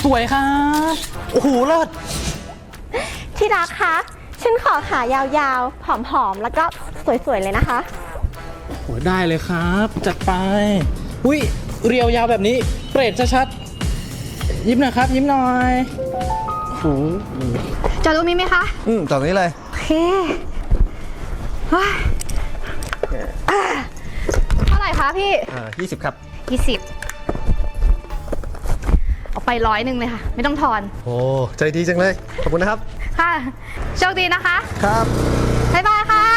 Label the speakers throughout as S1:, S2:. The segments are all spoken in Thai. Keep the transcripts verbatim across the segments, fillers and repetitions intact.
S1: สวยครับโอ้โหเลิศ
S2: ที่รักคะฉันขอขายาวๆผอมๆแล้วก็สวยๆเลยนะคะ
S1: โอ้ได้เลยครับจัดไปอุ้ยเรียวยาวแบบนี้เปรตชัดๆยิ้มหน่อยครับยิ้มหน่อยโอ้โห
S3: จอดตรงนี้ไหมคะ
S4: อืมจอดตรงนี้เลย
S3: โอเคเท่าไหร่คะพี่
S4: อ่ายี่สิบครับ
S3: ยี่สิบเอาไปร้อยหนึ่งเลยค่ะไม่ต้องทอน
S4: โอ้ใจดีจังเลยขอบคุณนะครับ
S3: ค่ะโชคดีนะคะ
S4: ครับ
S3: บ๊ายบายค่ะ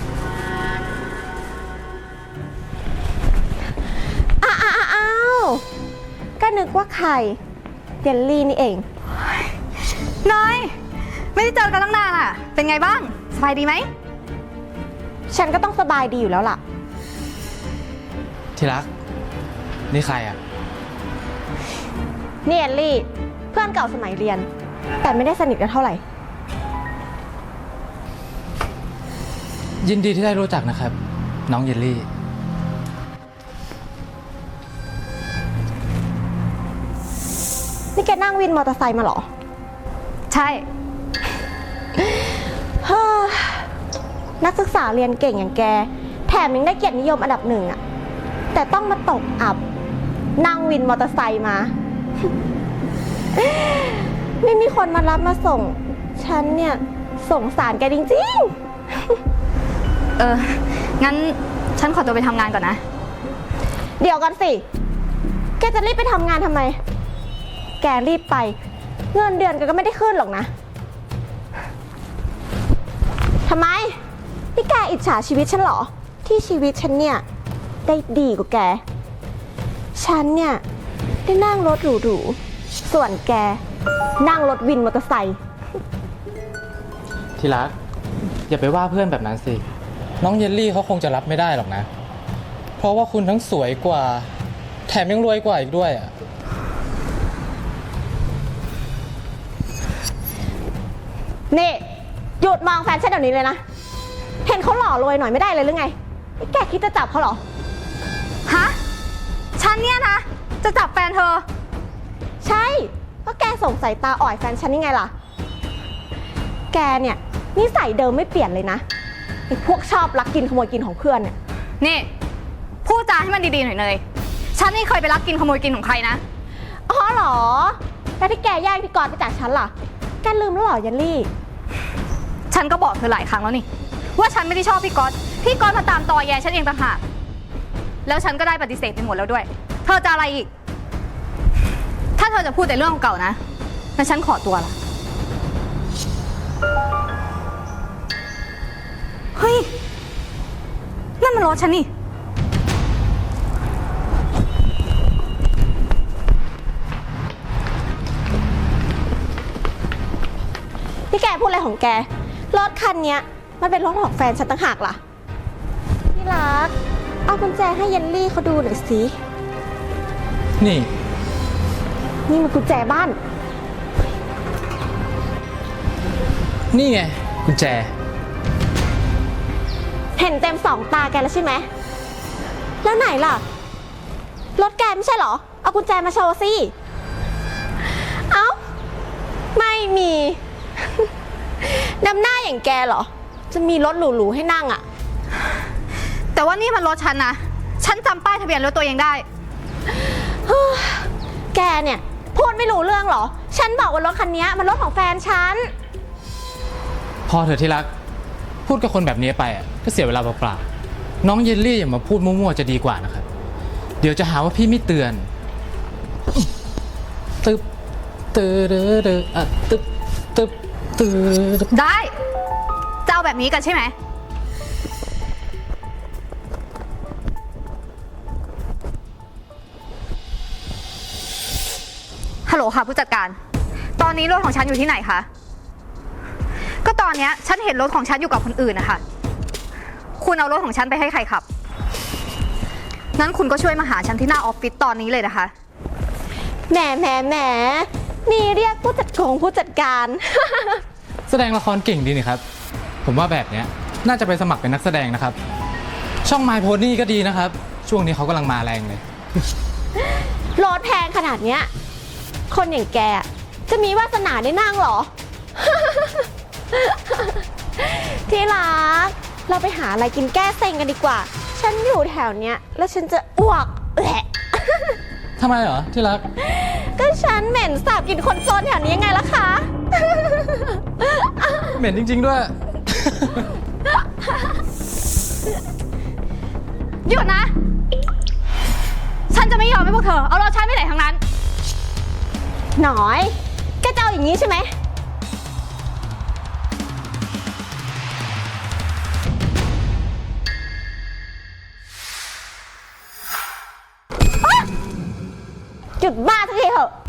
S2: อ้าวอ้าวก็นึกว่าใครเยลลี่นี่เอง
S3: น้อยไม่ได้เจอกันตั้งนานอ่ะเป็นไงบ้างสบายดีไหม
S2: ฉันก็ต้องสบายดีอยู่แล้วล่ะ
S1: ที่รักนี่ใครอ่ะ
S2: นี่เยลลี่เพื่อนเก่าสมัยเรียนแต่ไม่ได้สนิทกันเท่าไหร่
S1: ยินดีที่ได้รู้จักนะครับน้องเยลลี่
S2: นี่แกนั่งวินมอเตอร์ไซค์มาเหรอ
S3: ใช่
S2: นักศึกษาเรียนเก่งอย่างแกแถมยังได้เกียรตินิยมอันดับหนึ่งอะแต่ต้องมาตกอับนั่งวินมอเตอร์ไซค์มา ไม่มีคนมารับมาส่งฉันเนี่ยสงสารแกจริง
S3: ๆเอองั้นฉันขอตัวไปทำงานก่อนนะ
S2: เดี๋ยวก่อนสิแกจะรีบไปทำงานทำไมแกรีบไปเงินเดือนแกก็ไม่ได้ขึ้นหรอกนะทำไมนี่แกอิจฉาชีวิตฉันเหรอที่ชีวิตฉันเนี่ยได้ดีกว่าแกฉันเนี่ยได้นั่งรถหรูๆส่วนแกนั่งรถวินมอเตอร์ไซค์
S1: ที่รักอย่าไปว่าเพื่อนแบบนั้นสิน้องเยลลี่เขาคงจะรับไม่ได้หรอกนะเพราะว่าคุณทั้งสวยกว่าแถมยังรวยกว่าอีกด้วยอ่ะ
S2: นี่หยุดมองแฟนฉันเดี๋ยวนี้เลยนะเห็นเขาหล่อรวยหน่อยไม่ได้เลยหรือไงแกคิดจะจับเขาเหรอ
S3: ฮะฉันเนี่ยนะจะจับแฟนเธอ
S2: ใช่เพราะแกส่งสายตาอ่อยแฟนฉันยังไงล่ะแกเนี่ยนิสัยเดิมไม่เปลี่ยนเลยนะไอ้พวกชอบลักกินขโมยกินของเพื่อนเนี่ย
S3: นี่พูดจาให้มันดีๆหน่อยเลยฉันไม่เคยไปลักกินขโมยกินของใครนะ
S2: อ๋อเหรอแล้วที่แกแย่งพี่กรณ์ไปจากฉันล่ะแกลืมแล้วเหรอยันลี่
S3: ฉันก็บอกเธอหลายครั้งแล้วนี่ว่าฉันไม่ได้ชอบพี่ก๊อตพี่ก๊อตมาตามตอแยฉันเองต่างหากแล้วฉันก็ได้ปฏิเสธไปหมดแล้วด้วยเธอจะอะไรอีกถ้าเธอจะพูดแต่เรื่องเก่านะงั้นฉันขอตัวละเฮ้ยนั่นมันรถฉันนี่
S2: พี่แกพูดอะไรของแกรถคันนี้มันเป็นรถของแฟนฉันต่างหากล่ะพี่รักเอากุญแจให้เยลลี่เขาดูหน่อยสิ
S1: นี่
S2: นี่มันกุญแจบ้าน
S1: นี่ไงกุญแจ
S2: เห็นเต็มสองตาแกแล้วใช่ไหมแล้วไหนล่ะรถแกไม่ใช่เหรอเอากุญแจมาโชว์สิเอ้าไม่มีดำหน้าอย่างแกเหรอจะมีรถหรูๆให้นั่งอ่ะ
S3: แต่ว่านี่มันรถฉันนะฉันจำป้ายทะเบียนรถตัวเองได้
S2: แกเนี่ยพูดไม่รู้เรื่องเหรอฉันบอกว่ารถคันนี้มันรถของแฟนฉัน
S1: พอเถอะที่รักพูดกับคนแบบนี้ไปอ่ะก็เสียเวลาเปล่าๆน้องเยลลี่อย่ามาพูดมั่วๆจะดีกว่านะครับเดี๋ยวจะหาว่าพี่ไม่เตือนตึ๊บตึ๊ดเดอ่ะตึ๊บตึ๊บ
S3: ได้จะเอาแบบนี้กันใช่ไหมฮัลโหลค่ะผู้จัดการตอนนี้รถของฉันอยู่ที่ไหนคะก็ตอนนี้ฉันเห็นรถของฉันอยู่กับคนอื่นนะคะคุณเอารถของฉันไปให้ใครขับนั้นคุณก็ช่วยมาหาฉันที่หน้าออฟฟิศตอนนี้เลยนะคะ
S2: แหมแหมแหมนี่เรียกผู้จัดกงผู้จัดการ
S1: แสดงละครเก่งดีนี่ครับผมว่าแบบนี้น่าจะไปสมัครเป็นนักแสดงนะครับช่อง My Pony ก็ดีนะครับช่วงนี้เขากำลังมาแรงเลย
S2: รถแพงขนาดเนี้ยคนอย่างแกจะมีวาสนาได้นั่งเหรอ ที่รัก เราไปหาอะไรกินแก้เซ็งกันดีกว่า ฉันอยู่แถวเนี้ยแล้วฉันจะอ้วกแหละ
S1: ทำไมเหรอที่รัก
S2: ก็ฉันเหม็นสาบกลินคนโซนแถวนี้ยังไงล่ะคะ
S1: เหม็นจริง ๆ ด้วย
S3: หยุดนะ ฉันจะไม่ยอมให้พวกเธอเอารถฉันไปไหนทั้งนั้น
S2: หน่อยแกจะเอาอย่างนี้ใช่ไหม หยุดบ้าสักทีเถอะ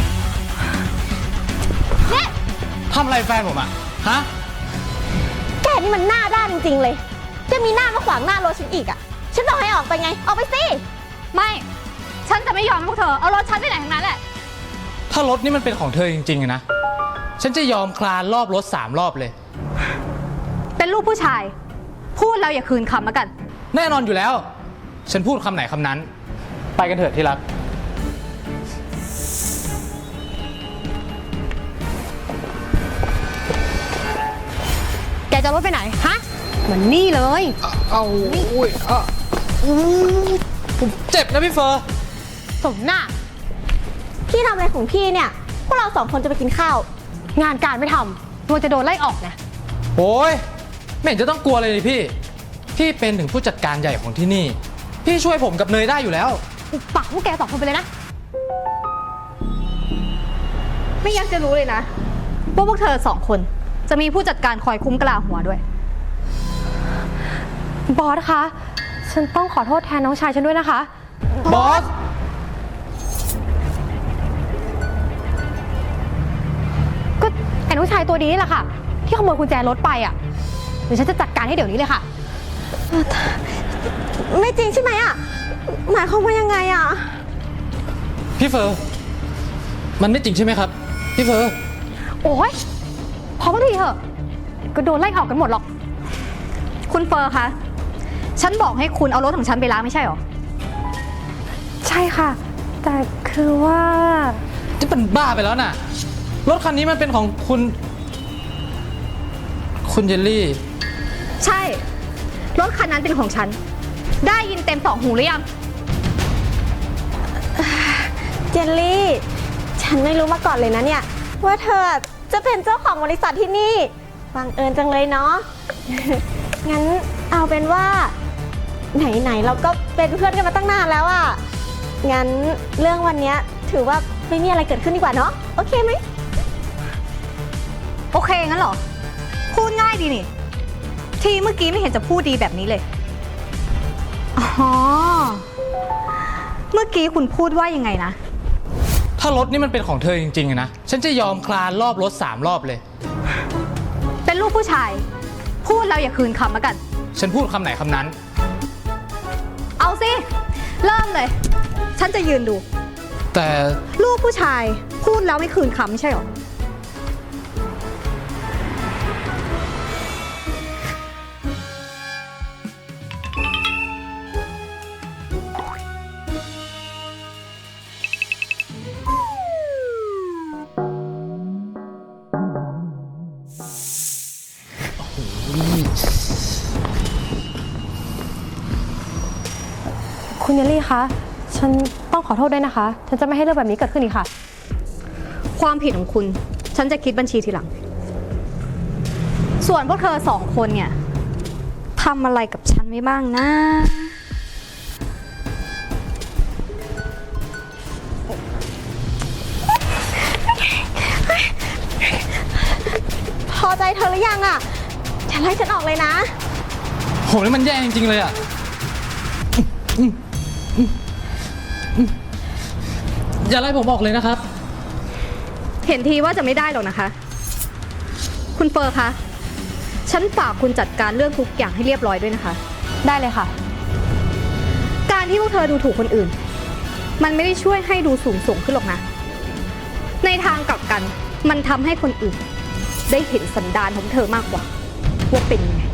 S2: เนี่ย
S1: ทำอะไรแฟนผมอะฮะ
S2: แกนี่มันหน้าด้านจริงๆเลย จะมีหน้ามาขวางหน้ารถฉันอีกอ่ะ ฉันบอกให้ออกไปไง ออกไปสิ
S3: ไม่ ฉันจะไม่ยอมให้พวกเธอเอารถฉันไปไหนทั้งนั้นแหละ
S1: ถ้ารถนี่มันเป็นของเธอจริงๆอะนะ ฉันจะยอมคลานรอบรถสามรอบเลย
S3: เป็นลูกผู้ชาย พูดแล้วอย่าคืนคำแล้วกัน
S1: แน่นอนอยู่แล้ว ฉันพูดคำไหนคำนั้น ไปกันเถอะที่รัก
S2: แกจะรถไปไหน ฮะเหมือนนี่เลย
S1: เอาอุ้ยอ่ะอู้ผมเจ็บนะพี่เฟอร์
S2: สมหน้า พี่ทำอะไรของพี่เนี่ย พวกเราสองคนจะไปกินข้าว งานการไม่ทำตัวจะโดนไล่ออกนะ
S1: โอ้ยไม่เห็นจะต้องกลัวเลยนี่พี่ พี่เป็นถึงผู้จัดการใหญ่ของที่นี่ พี่ช่วยผมกับเนยได้อยู่แล้ว
S2: อุปปากพวกแกสองคนไปเลยนะ
S3: ไม่อยากจะรู้เลยนะว่าพวกเธอสองคนจะมีผู้จัดการคอยคุ้มกะลาหัวด้วย
S2: บอสคะ ฉันต้องขอโทษแทนน้องชายฉันด้วยนะคะ
S1: บอส
S2: ก็ไอ้น้องชายตัวดีนี่แหละค่ะ ที่ขโมยกุญแจรถไปอ่ะ เดี๋ยวฉันจะจัดการให้เดี๋ยวนี้เลยค่ะ ไม่จริงใช่ไหมอ่ะ หมายความว่ายังไงอ่ะ
S1: พี่เฟอร์ มันไม่จริงใช่ไหมครับ พี่เฟอร์
S2: โอ้ยพอมาทีเถอะ ก็โดนไล่ออกกันหมดหรอก
S3: คุณเฟอร์คะ ฉันบอกให้คุณเอารถของฉันไปล้างไม่ใช่หรอ
S2: ใช่ค่ะ แต่คือว่า
S1: ที่เป็นบ้าไปแล้วน่ะ รถคันนี้มันเป็นของคุณ คุณเยลลี่
S3: ใช่ รถคันนั้นเป็นของฉัน ได้ยินเต็มสองหูหรือยัง
S2: เจลลี่ ฉันไม่รู้มาก่อนเลยนะเนี่ย ว่าเธอจะเป็นเจ้าของบริษัทที่นี่บังเอิญจังเลยเนาะ งั้นเอาเป็นว่า ไหนๆเราก็เป็นเพื่อนกันมาตั้งนานแล้วอะงั้นเรื่องวันเนี้ยถือว่าไม่มีอะไรเกิดขึ้นดีกว่าเนาะ โอเคไหม
S3: โอเคงั้นเหรอ พูดง่ายดีนี่ ทีเมื่อกี้ไม่เห็นจะพูดดีแบบนี้เลย อ๋อ เมื่อกี้คุณพูดว่ายังไงนะ
S1: ถ้ารถนี่มันเป็นของเธอจริงๆอะนะ ฉันจะยอมคลานรอบรถสามรอบเลย
S3: เป็นลูกผู้ชาย พูดแล้วอย่าคืนคำแล้วกัน
S1: ฉันพูดคำไหนคำนั้น
S3: เอาสิ เริ่มเลย ฉันจะยืนดู
S1: แต่
S3: ลูกผู้ชายพูดแล้วไม่คืนคำไม่ใช่หรอ
S2: คุณเยลลี่คะ ฉันต้องขอโทษด้วยนะคะ ฉันจะไม่ให้เรื่องแบบนี้เกิดขึ้นอีกค่ะ
S3: ความผิดของคุณ ฉันจะคิดบัญชีทีหลัง ส่วนพวกเธอสองคนเนี่ยทำอะไรกับฉันไว้บ้างนะ
S2: พอใจเธอหรือยังอะอย่าไล่ฉันออกเลยนะ
S1: โหนี่มันแย่จริงๆเลยอะอืมอืมอืมอย่าไล่ผมออกเลยนะครับ
S3: เห็นทีว่าจะไม่ได้หรอกนะคะ คุณเฟอร์คะ ฉันฝากคุณจัดการเรื่องทุกอย่างให้เรียบร้อยด้วยนะคะ
S2: ได้เลยค่ะ
S3: การที่พวกเธอดูถูกคนอื่น มันไม่ได้ช่วยให้ดูสูงส่งขึ้นหรอกนะ ในทางกลับกัน มันทำให้คนอื่น ได้เห็นสันดานของเธอมากกว่า ว่าเป็นยังไง